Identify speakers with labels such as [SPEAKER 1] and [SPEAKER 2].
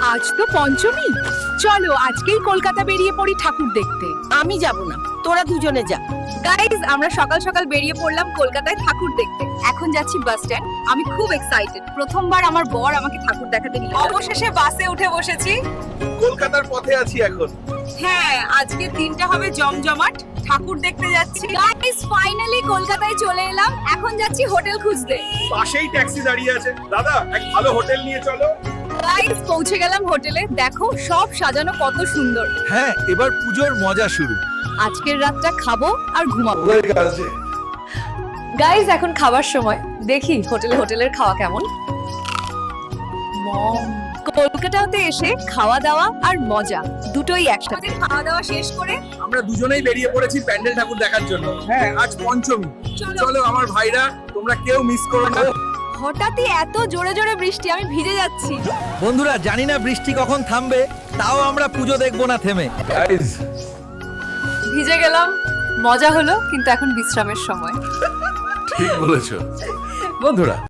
[SPEAKER 1] আজ তো পঞ্চমী, চলো আজকেই কলকাতা বেরিয়ে পড়ি ঠাকুর দেখতে।
[SPEAKER 2] আমি যাব না, তোরা দুজনে যা।
[SPEAKER 1] গাইজ, আমরা সকাল সকাল বেরিয়ে পড়লাম কলকাতায় ঠাকুর দেখতে। এখন যাচ্ছি বাস স্ট্যান্ড। আমি খুব এক্সাইটেড, প্রথমবার আমার বর আমাকে ঠাকুর দেখাতে নিল। অবশেষে বাসে উঠে বসেছি।
[SPEAKER 3] কলকাতার পথে আছি এখন।
[SPEAKER 1] হ্যাঁ, আজকে দিনটা হবে জমজমাট, ঠাকুর দেখতে যাচ্ছি। গাইজ, ফাইনালি কলকাতায় চলে এলাম। এখন যাচ্ছি হোটেল খুঁজতে।
[SPEAKER 3] পাশেই ট্যাক্সি দাঁড়িয়ে আছে। দাদা, এক ভালো হোটেল নিয়ে চলো।
[SPEAKER 1] গাইজ, পৌঁছে গেলাম হোটেলে। দেখো সব সাজানো কত সুন্দর।
[SPEAKER 4] হ্যাঁ, এবার পুজোর মজা শুরু।
[SPEAKER 1] আজকের রাতটা খাবো আর ঘুমাবো। গাইজ, এখন খাবার সময়। দেখি হোটেলের খাওয়া কেমন। কলকাতাতে এসে খাওয়া দাওয়া আর মজা দুটোই একসাথে। খাওয়া দাওয়া শেষ করে
[SPEAKER 4] আমরা দুজনেই বেরিয়ে পড়েছি প্যান্ডেল ঠাকুর দেখার জন্য। হ্যাঁ, আজ পঞ্চমী। চলো আমার ভাইরা, তোমরা কেউ মিস করো না।
[SPEAKER 1] হঠাৎই এত জোরে জোরে বৃষ্টি, আমি ভিজে যাচ্ছি।
[SPEAKER 4] বন্ধুরা, জানি না বৃষ্টি কখন থামবে, তাও আমরা পুজো দেখবো না থেমে।
[SPEAKER 1] ভিজে গেলাম, মজা হলো, কিন্তু এখন বিশ্রামের সময়।
[SPEAKER 3] ঠিক বলেছো
[SPEAKER 4] বন্ধুরা,